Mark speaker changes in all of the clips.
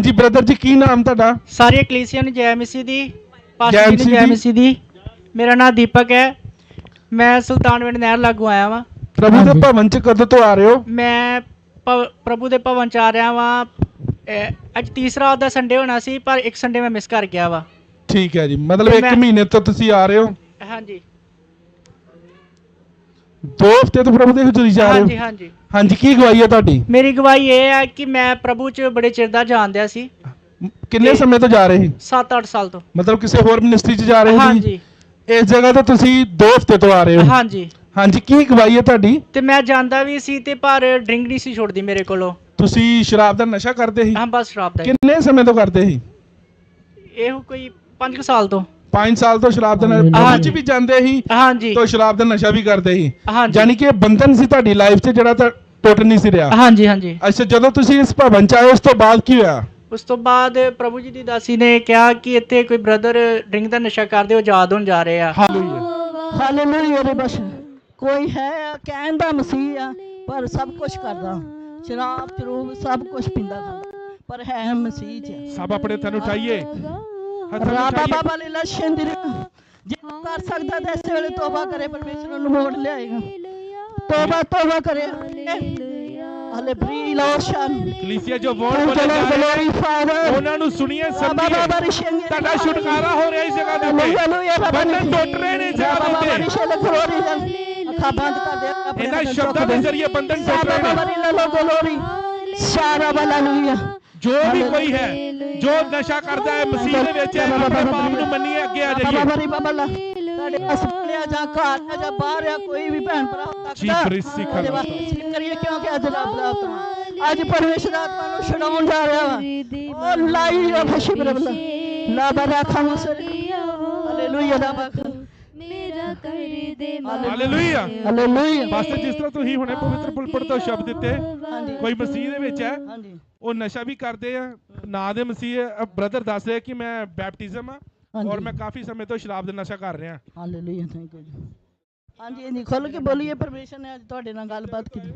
Speaker 1: ਹਾਂਜੀ ਬ੍ਰਦਰ ਜੀ, ਕੀ ਨਾਮ ਤੁਹਾਡਾ?
Speaker 2: सारी कलीसिया ने जय मसीह दी, पास्टर जी ने जय मसीह दी। मेरा नाम दीपक है, मैं सुल्तानविंड नहर लागू आया वा।
Speaker 1: ਪ੍ਰਭੂ ਦੇ ਭਵਨ ਚ ਕਦੋਂ ਤੋਂ ਆ ਰਹੇ ਹੋ?
Speaker 2: मैं प्रभु दे भवन च आ रहा वा। अज तीसरा ਉਹਦਾ संडे होना सी, पर एक संडे मैं मिस कर गया वा।
Speaker 1: ਠੀਕ ਹੈ ਜੀ, ਮਤਲਬ
Speaker 2: ਤੇ
Speaker 1: 1
Speaker 2: ਮੈਂ-
Speaker 1: ਮਹੀਨੇ ਤੋਂ ਤੁਸੀਂ ਆ ਰਹੇ ਹੋ?
Speaker 2: हाँ जी
Speaker 1: 2 ਹਫ਼ਤੇ ਤੋਂ ਪ੍ਰਭੂ ਦੇ ਹਜ਼ੂਰੀ ਜਾ
Speaker 2: हाँ
Speaker 1: ਰਹੇ
Speaker 2: जी
Speaker 1: ਹੋ?
Speaker 2: हाँ जी।
Speaker 1: ਹਾਂਜੀ, ਕੀ ਗਵਾਹੀ ਹੈ ਤੁਹਾਡੀ?
Speaker 2: मेरी गवाही ये है कि मैं प्रभु च बड़े चिर दा जाणदਿਆ ਸੀ,
Speaker 1: ਕਿੰਨੇ
Speaker 2: ਤੇ-
Speaker 1: ਸਮੇਂ ਤੋਂ ਜਾ ਰਹੇ ਸੀ?
Speaker 2: 7-8 ਸਾਲ ਤੋਂ।
Speaker 1: ਮਤਲਬ ਕਿਸੇ ਹੋਰ ਮਿਨਿਸਟਰੀ ਚ ਜਾ ਰਹੇ
Speaker 2: हाँ
Speaker 1: ਸੀ?
Speaker 2: जी
Speaker 1: ਇਸ ਜਗ੍ਹਾ ਤੇ ਤੁਸੀਂ 2 ਹਫ਼ਤੇ ਤੋਂ ਆ ਰਹੇ ਹੋ?
Speaker 2: हाँ जी।
Speaker 1: ਹਾਂਜੀ, ਕੀ ਗਵਾਹੀ ਹੈ ਤੁਹਾਡੀ?
Speaker 2: ਤੇ ਮੈਂ ਜਾਂਦਾ ਵੀ ਸੀ ਤੇ ਪਰ ਡਰਿੰਕ ਨਹੀਂ ਸੀ ਛੋੜਦੀ ਮੇਰੇ ਕੋਲੋਂ।
Speaker 1: ਤੁਸੀਂ ਸ਼ਰਾਬ ਦਾ ਨਸ਼ਾ ਕਰਦੇ ਸੀ?
Speaker 2: ਹਾਂ ਬਸ ਸ਼ਰਾਬ ਦਾ ਹੀ।
Speaker 1: ਕਿੰਨੇ ਸਮੇਂ ਤੋਂ ਕਰਦੇ ਸੀ?
Speaker 2: ਇਹੋ ਕੋਈ 5 ਸਾਲ ਤੋਂ।
Speaker 1: 5 ਸਾਲ ਤੋਂ ਸ਼ਰਾਬ ਦਾ ਨਸ਼ਾ
Speaker 2: ਹਾਂਜੀ।
Speaker 1: ਵੀ ਜਾਂਦੇ ਸੀ
Speaker 2: हाँ जी
Speaker 1: ਤੋਂ ਸ਼ਰਾਬ ਦਾ ਨਸ਼ਾ ਵੀ ਕਰਦੇ ਸੀ?
Speaker 2: हाँ जी
Speaker 1: ਯਾਨੀ ਕਿ ਇਹ ਬੰਧਨ ਸੀ ਤੁਹਾਡੀ ਲਾਈਫ 'ਚ ਜਿਹੜਾ ਤਾਂ ਟੁੱਟ ਨਹੀਂ ਸੀ ਰਿਹਾ?
Speaker 2: हाँ जी हाँ जी।
Speaker 1: ਅੱਛਾ, ਜਦੋਂ ਤੁਸੀਂ ਇਸ ਭਵਨ 'ਚ ਆਏ ਉਸ ਤੋਂ ਬਾਅਦ ਕੀ ਹੋਇਆ?
Speaker 2: ਉਸ ਤੋਂ ਬਾਅਦ ਪ੍ਰਭੂ ਜੀ ਦੀ ਦਾਸੀ ਨੇ ਕਿਹਾ ਕਿ ਇੱਥੇ ਕੋਈ ਬ੍ਰਦਰ ਡਰਿੰਕ ਦਾ ਨਸ਼ਾ ਕਰਦੇ ਉਹ ਆਜ਼ਾਦ ਹੋਣ ਜਾ ਰਹੇ ਆ।
Speaker 1: ਹਾਲੇਲੂਇਆ।
Speaker 3: ਹਾਲੇਲੂਇਆ ਰੇ ਬਸ ਕੋਈ ਹੈ ਕਹਿਣ ਦਾ ਮਸੀਹ ਆ, ਪਰ ਸਭ ਕੁਝ ਕਰਦਾ, ਸ਼ਰਾਬ ਚਰੂਬ ਸਭ ਕੁਝ ਪੀਂਦਾ ਖਾਂਦਾ, ਪਰ ਹੈ ਮਸੀਹ ਚ।
Speaker 1: ਸਭ ਆਪਣੇ ਹੱਥਾਂ ਨੂੰ ਉਠਾਈਏ, ਹੱਥਾਂ ਨੂੰ
Speaker 3: ਰਾਬਾ
Speaker 1: ਉਠਾਈਏ।
Speaker 3: ਬਾਬਾ ਲੀਲਾ ਸ਼ੰਦਰ ਜੇ ਕਰ ਸਕਦਾ ਤਾਂ ਇਸ ਵੇਲੇ ਤੋਬਾ ਕਰੇ, ਪਰਮੇਸ਼ਰ ਨੂੰ ਮੋੜ ਲਿਆਏਗਾ। ਤੋਬਾ ਕਰੇ। ਹਲੇ ਬਰੀ ਲੋਸ਼ਨ
Speaker 1: ਕਲੀਸਿਆ ਜੋ ਵੋਟ ਬੋਲੇ ਜਾ ਰਹੇ
Speaker 3: ਫਾਦਰ
Speaker 1: ਉਹਨਾਂ ਨੂੰ ਸੁਣੀਏ, ਸਮਝੀਏ।
Speaker 3: ਬਾਬਾ ਰਿਸ਼ੰਗੇ
Speaker 1: ਤੁਹਾਡਾ ਛੁਟਕਾਰਾ ਹੋ ਰਿਹਾ ਇਸ ਜਗ੍ਹਾ ਦੇ ਉੱਤੇ। ਬੰਧਨ ਟੁੱਟ ਰਹੇ ਨੇ ਇਸ ਜਗ੍ਹਾ ਦੇ ਉੱਤੇ।
Speaker 3: ਅੱਖਾਂ ਬੰਦ ਕਰ ਦੇ।
Speaker 1: ਇਹਨਾਂ ਸ਼ਬਦਾਂ ਦੇ ਜ਼ਰੀਏ ਬੰਧਨ ਟੁੱਟ ਰਹੇ ਨੇ।
Speaker 3: ਸਾਰਾ ਹਾਲੇਲੂਇਆ।
Speaker 1: ਜੋ ਵੀ ਕੋਈ ਹੈ ਜੋ ਨਸ਼ਾ ਕਰਦਾ ਹੈ ਮਸੀਹ ਦੇ ਵਿੱਚ ਹੈ, ਆਪਣੇ ਪਾਪ ਨੂੰ ਮੰਨੀਏ, ਅੱਗੇ ਆ ਜਾਈਏ।
Speaker 3: ਤੁਹਾਡੇ ਹਸਪਤਾਲ ਜਾਂ ਘਰ ਜਾਂ ਬਾਹਰ ਆ ਕੋਈ ਵੀ ਭੈਣ ਭਰਾ
Speaker 1: ਜੀ ਪ੍ਰੀਸੀ
Speaker 3: ਉਹਦੇ ਵਾਸਤੇ ਸਲੀਪ ਕਰੀਏ, ਕਿਉਂਕਿ ਅੱਜ ਰੱਬ ਦਾ ਆਤਮਾ ਅੱਜ ਪਰਮੇਸ਼ਰ ਆਤਮਾ ਨੂੰ ਛਡਾਉਣ ਜਾ ਰਿਹਾ ਵਾ। ਉਹ ਲਾਈ ਰਾ ਫਸ਼ੀ ਬਰਬਲਾ ਲਾ ਬਰਾ ਖਾਮਸਰ ਹਾਲੇਲੂਇਆ ਦਾ ਬਖ
Speaker 4: ਮੇਰਾ ਕਰ ਦੇ
Speaker 1: ਹਾਲੇਲੂਇਆ।
Speaker 3: ਹਾਲੇਲੂਇਆ।
Speaker 1: ਪਾਸਟਰ ਜੀ, ਜਿਸ ਤਰ੍ਹਾਂ ਤੁਸੀਂ ਹੁਣੇ ਪਵਿੱਤਰ ਪੁਲਪਿਤ ਤੋਂ ਸ਼ਬਦ ਦਿੱਤੇ,
Speaker 3: ਹਾਂਜੀ
Speaker 1: ਕੋਈ ਮਸੀਹ ਦੇ ਵਿੱਚ ਹੈ,
Speaker 3: ਹਾਂਜੀ
Speaker 1: ਉਹ ਨਸ਼ਾ ਵੀ ਕਰਦੇ ਆ, ਨਾਂ ਦੇ ਮਸੀਹ ਬ੍ਰਦਰ ਦੱਸ ਰਿਹਾ ਕਿ ਮੈਂ ਬੈਪਟਿਜ਼ਮ ਆ ਔਰ ਮੈਂ ਕਾਫੀ ਸਮੇਂ ਤੋਂ ਸ਼ਰਾਬ ਦਾ ਨਸ਼ਾ ਕਰ ਰਿਹਾ।
Speaker 3: ਹਾਲੇਲੂਇਆ। ਥੈਂਕ ਯੂ ਜੀ। ਹਾਂਜੀ ਇਹਨੀ ਖੁੱਲ ਕੇ ਬੋਲੀਏ, ਪਰਮੇਸ਼ਰ ਨੇ ਅੱਜ ਤੁਹਾਡੇ ਨਾਲ ਗੱਲਬਾਤ ਕੀਤੀ।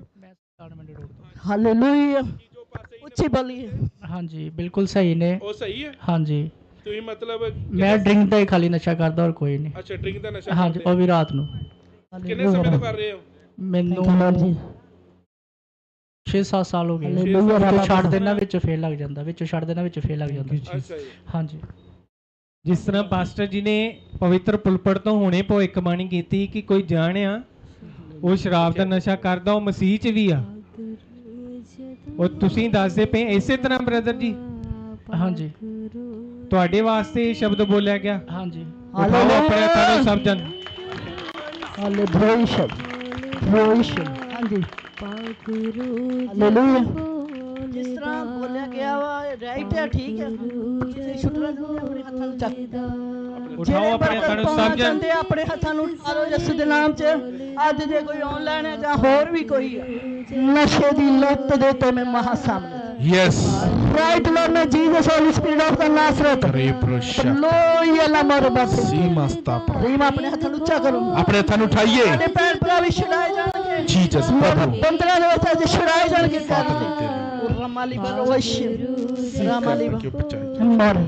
Speaker 3: ਹਾਲੇਲੂਇਆ। ਉੱਚੀ ਬੋਲੀਏ।
Speaker 2: ਹਾਂਜੀ ਬਿਲਕੁਲ ਸਹੀ ਨੇ।
Speaker 1: ਉਹ ਸਹੀ ਹੈ?
Speaker 2: ਹਾਂਜੀ
Speaker 1: ਤੁਸੀਂ ਮਤਲਬ
Speaker 2: ਮੈਂ ਡਰਿੰਕ ਦਾ ਹੀ ਖਾਲੀ ਨਸ਼ਾ ਕਰਦਾ ਔਰ ਕੋਈ ਨਹੀਂ।
Speaker 1: ਅੱਛਾ, ਡਰਿੰਕ ਦਾ ਨਸ਼ਾ
Speaker 2: ਹਾਂਜੀ ਉਹ ਵੀ ਰਾਤ ਨੂੰ।
Speaker 1: ਕਿੰਨੇ ਸਮੇਂ ਤੋਂ ਕਰ ਰਹੇ ਹੋ?
Speaker 2: ਮੈਨੂੰ 6-7 ਸਾਲ ਹੋ ਗਏ।
Speaker 3: ਹਾਲੇਲੂਇਆ।
Speaker 2: ਵਿੱਚੋਂ ਛੱਡ ਦੇਣਾ, ਵਿੱਚੋਂ ਫੇਰ ਲੱਗ ਜਾਂਦਾ, ਵਿੱਚੋਂ ਛੱਡ ਦੇਣਾ, ਵਿੱਚੋਂ ਫੇਰ ਲੱਗ ਜਾਂਦਾ।
Speaker 1: ਅੱਛਾ ਜੀ।
Speaker 2: ਹਾਂਜੀ
Speaker 5: ਜਿਸ ਤਰ੍ਹਾਂ ਪਾਸਟਰ ਜੀ ਨੇ ਪਵਿੱਤਰ ਪੁਲਪੜ ਤੋਂ ਹੁਣੇ ਭਵਿੱਖਬਾਣੀ ਕੀਤੀ ਕਿ ਕੋਈ ਜਾਣਿਆ ਉਹ ਸ਼ਰਾਬ ਦਾ ਨਸ਼ਾ ਕਰਦਾ, ਉਹ ਮਸੀਹ 'ਚ ਵੀ ਆ। ਉਹ ਤੁਸੀਂ ਦੱਸਦੇ ਪਏ ਇਸੇ ਤਰ੍ਹਾਂ ਬ੍ਰਦਰ ਜੀ?
Speaker 2: ਹਾਂਜੀ
Speaker 5: ਤੁਹਾਡੇ ਵਾਸਤੇ ਇਹ ਸ਼ਬਦ ਬੋਲਿਆ ਗਿਆ।
Speaker 2: ਹਾਂਜੀ
Speaker 5: ਉਠਾਓ ਆਪਣੇ ਹੱਥਾਂ ਨੂੰ ਸਭ ਜਨ।
Speaker 3: ਹਾਲੇਲੂਇਆ। ਹਾਂਜੀ ਹਾਲੇਲੂਇਆ। ਜਿਸ ਤਰ੍ਹਾਂ ਬੋਲਿਆ ਗਿਆ ਵਾ ਰਾਈਟ ਹੈ, ਠੀਕ ਹੈ। ਕਿਸੇ ਛੁੱਟਣਾ ਚਾਹੁੰਦੇ ਆਪਣੇ ਹੱਥਾਂ ਨੂੰ ਚੱਕ
Speaker 5: ਉਠਾਓ ਆਪਣੇ ਹੱਥਾਂ ਨੂੰ ਸਭ ਜਨ।
Speaker 3: ਚਾਹੁੰਦੇ ਆਪਣੇ ਹੱਥਾਂ ਨੂੰ ਉਠਾ ਲਓ ਯਿਸੂ ਦੇ ਨਾਮ 'ਚ। ਅੱਜ ਜੇ ਕੋਈ ਆਨਲਾਈਨ ਹੈ ਜਾਂ ਹੋਰ ਵੀ ਕੋਈ ਹੈ, ਨਸ਼ੇ ਦੀ ਲੱਤ ਦੇ ਤੇ ਮੈਂ ਮਹਾ ਸਾਹਮਣੇ
Speaker 1: ਯੈਸ
Speaker 3: ਰਾਈਟ ਲੋਰਡ ਨੇ Jesus holy spirit of the Nazareth
Speaker 1: ਰੇਪਰੋਸ਼ਾ
Speaker 3: ਲੋਇਆ ਲਾ ਮਰਬਤ
Speaker 1: ਸੀਮਸਤਾ
Speaker 3: ਰੀਮ ਆਪਣੇ ਹੱਥਾਂ ਨੂੰ ਉੱਚਾ ਕਰੋ।
Speaker 1: ਆਪਣੇ ਹੱਥਾਂ ਨੂੰ ਉਠਾਈਏ।
Speaker 3: ਸਾਡੇ ਭੈਣ ਭਰਾ ਵੀ ਛੁਡਾਏ ਜਾਣਗੇ।
Speaker 1: ਜੀਸਸ ਪ੍ਰਭੂ
Speaker 3: ਬੰਦਰਾਂ ਦੇ ਵਿੱਚ ਅੱਜ ਛੁਡਾਏ ਜਾਣਗੇ। ਰਮਾਲੀ ਬਲੋਸ਼ ਰਮਾਲੀ ਮਰ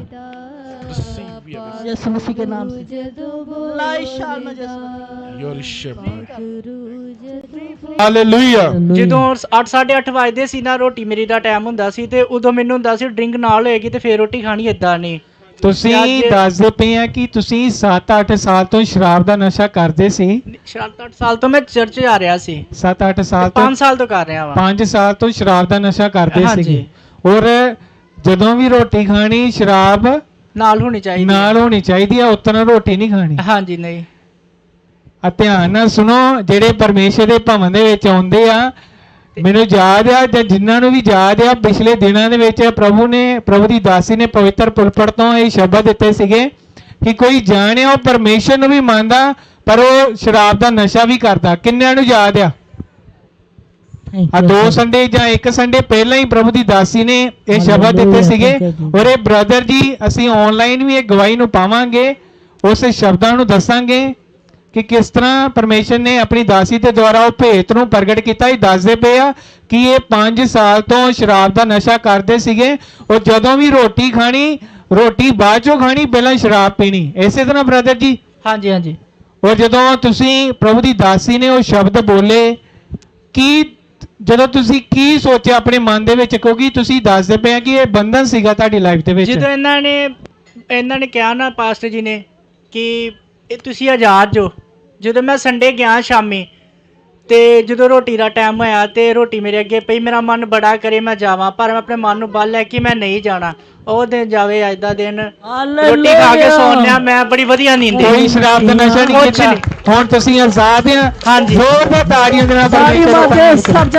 Speaker 3: ਯਿਸੂ ਮਸੀਹ के नाम से लाई शाल में यीशु
Speaker 1: ਹਾਲੇਲੂਇਆ।
Speaker 2: ਜਦੋਂ 8-8:30 ਵਜਦੇ ਸੀ ਨਾ, ਰੋਟੀ ਮੇਰੀ ਦਾ ਟਾਈਮ ਹੁੰਦਾ ਸੀ, ਤੇ ਉਦੋਂ ਮੈਨੂੰ ਹੁੰਦਾ ਸੀ ਡਰਿੰਕ ਨਾਲ ਹੋਏਗੀ ਤੇ ਫੇਰ ਰੋਟੀ ਖਾਣੀ। ਏਦਾਂ ਨਹੀਂ।
Speaker 5: ਤੁਸੀਂ ਦੱਸਦੇ ਪਏ ਆ ਕਿ ਤੁਸੀਂ 7-8 ਸਾਲ ਤੋਂ ਸ਼ਰਾਬ ਦਾ ਨਸ਼ਾ ਕਰਦੇ ਸੀ।
Speaker 2: 7-8 ਸਾਲ ਤੋਂ ਮੈਂ ਚਰਚ ਜਾ ਰਿਹਾ ਸੀ।
Speaker 5: 7-8 ਸਾਲ ਤੋਂ
Speaker 2: 5 ਸਾਲ ਤੋਂ ਕਰ ਰਿਹਾ ਵਾ।
Speaker 5: 5 ਸਾਲ ਤੋਂ ਸ਼ਰਾਬ ਦਾ ਨਸ਼ਾ ਕਰਦੇ
Speaker 2: ਹਾਂਜੀ।
Speaker 5: ਸੀਗੇ, ਔਰ ਜਦੋਂ ਵੀ ਰੋਟੀ ਖਾਣੀ ਸ਼ਰਾਬ
Speaker 2: ਨਾਲ ਹੋਣੀ ਚਾਹੀਦੀ।
Speaker 5: ਨਾਲ ਹੋਣੀ ਚਾਹੀਦੀ ਆ, ਉਤਨਾ ਰੋਟੀ ਨਹੀਂ ਖਾਣੀ।
Speaker 2: ਹਾਂਜੀ ਨਹੀਂ।
Speaker 5: ਆ ਧਿਆਨ ਨਾਲ ਸੁਣੋ, ਜਿਹੜੇ ਪਰਮੇਸ਼ਰ ਦੇ ਭਵਨ ਦੇ ਵਿੱਚ ਆਉਂਦੇ ਆ, ਮੈਨੂੰ ਯਾਦ ਆ ਜਾਂ ਜਿਨ੍ਹਾਂ ਨੂੰ ਵੀ ਯਾਦ ਆ, ਪਿਛਲੇ ਦਿਨਾਂ ਦੇ ਵਿੱਚ ਪ੍ਰਭੂ ਦੀ ਦਾਸੀ ਨੇ ਪਵਿੱਤਰ ਪੁਲਪੜ ਤੋਂ ਇਹ ਸ਼ਬਦ ਦਿੱਤੇ ਸੀਗੇ ਕਿ ਕੋਈ ਜਾਣਿਆ ਉਹ ਪਰਮੇਸ਼ਰ ਨੂੰ ਵੀ ਮੰਨਦਾ ਪਰ ਉਹ ਸ਼ਰਾਬ ਦਾ ਨਸ਼ਾ ਵੀ ਕਰਦਾ। ਕਿੰਨਿਆਂ ਨੂੰ ਯਾਦ ਆ? ਆ 2 ਸੰਡੇ ਜਾਂ 1 ਸੰਡੇ ਪਹਿਲਾਂ ਹੀ ਪ੍ਰਭੂ ਦੀ ਦਾਸੀ ਨੇ ਇਹ ਸ਼ਬਦ ਦਿੱਤੇ ਸੀਗੇ। ਔਰ ਇਹ ਬ੍ਰਦਰ ਜੀ ਅਸੀਂ ਆਨਲਾਈਨ ਵੀ ਇਹ ਗਵਾਹੀ ਨੂੰ ਪਾਵਾਂਗੇ, ਉਸ ਸ਼ਬਦਾਂ ਨੂੰ ਦੱਸਾਂਗੇ ਕਿ ਕਿਸ ਤਰ੍ਹਾਂ ਪਰਮੇਸ਼ਰ ਨੇ ਆਪਣੀ ਦਾਸੀ ਦੇ ਦੁਆਰਾ ਉਹ ਭੇਤ ਨੂੰ ਪ੍ਰਗਟ ਕੀਤਾ। ਇਹ ਦੱਸਦੇ ਪਏ ਆ ਕਿ ਇਹ 5 ਸਾਲ ਤੋਂ ਸ਼ਰਾਬ ਦਾ ਨਸ਼ਾ ਕਰਦੇ ਸੀਗੇ। ਉਹ ਜਦੋਂ ਵੀ ਰੋਟੀ ਖਾਣੀ, ਰੋਟੀ ਬਾਅਦ ਚੋਂ ਖਾਣੀ, ਪਹਿਲਾਂ ਸ਼ਰਾਬ ਪੀਣੀ। ਇਸੇ ਤਰ੍ਹਾਂ ਬ੍ਰਦਰ ਜੀ।
Speaker 2: ਹਾਂਜੀ ਹਾਂਜੀ।
Speaker 5: ਔਰ ਜਦੋਂ ਤੁਸੀਂ ਪ੍ਰਭੂ ਦੀ ਦਾਸੀ ਨੇ ਉਹ ਸ਼ਬਦ ਬੋਲੇ, ਕੀ ਜਦੋਂ ਤੁਸੀਂ ਕੀ ਸੋਚਿਆ ਆਪਣੇ ਮਨ ਦੇ ਵਿੱਚ, ਕਿਉਂਕਿ ਤੁਸੀਂ ਦੱਸਦੇ ਪਏ ਆ ਕਿ ਇਹ ਬੰਧਨ ਸੀਗਾ ਤੁਹਾਡੀ ਲਾਈਫ ਦੇ ਵਿੱਚ।
Speaker 2: ਜਦੋਂ ਇਹਨਾਂ ਨੇ ਕਿਹਾ ਨਾ ਪਾਸਟਰ ਜੀ ਨੇ ਕਿ ਇਹ ਤੁਸੀਂ ਆਜ਼ਾਦ ਜੋ, ਜਦੋਂ ਮੈਂ ਸੰਡੇ ਗਿਆ ਸ਼ਾਮੀ ਤੇ ਜਦੋਂ ਰੋਟੀ ਦਾ ਟਾਈਮ ਹੋਇਆ ਤੇ ਰੋਟੀ ਮੇਰੇ ਅੱਗੇ ਪਈ, ਮੇਰਾ ਮਨ ਬੜਾ ਕਰੇ ਮੈਂ ਜਾਵਾਂ, ਪਰ ਮੈਂ ਆਪਣੇ ਮਨ ਨੂੰ ਬੰਨ ਲਿਆ ਕਿ ਮੈਂ ਨਹੀਂ ਜਾਣਾ। ਉਹ ਦਿਨ ਜਾਵੇ, ਅੱਜ ਦਾ ਦਿਨ ਰੋਟੀ ਖਾ ਕੇ ਸੌਂ ਲਿਆ, ਮੈਂ ਬੜੀ ਵਧੀਆ ਨੀਂਦ
Speaker 5: ਕੋਈ ਸ਼ਰਾਬ ਦਾ ਨਸ਼ਾ ਨਹੀਂ
Speaker 2: ਕੁਛ
Speaker 5: ਕੀਤਾ। ਹੁਣ ਤੁਸੀਂ ਆਜ਼ਾਦ ਆ।
Speaker 2: ਹਾਂਜੀ।
Speaker 5: ਜ਼ੋਰਦਾਰ ਤਾੜੀਆਂ ਦੇ ਨਾਲ
Speaker 3: ਸਾਰੀ
Speaker 5: ਪਰਮੇਸ਼ਰ ਦਾ
Speaker 3: ਬਾतें
Speaker 5: ਧੰਨਵਾਦ ਕਰੋ।
Speaker 3: सब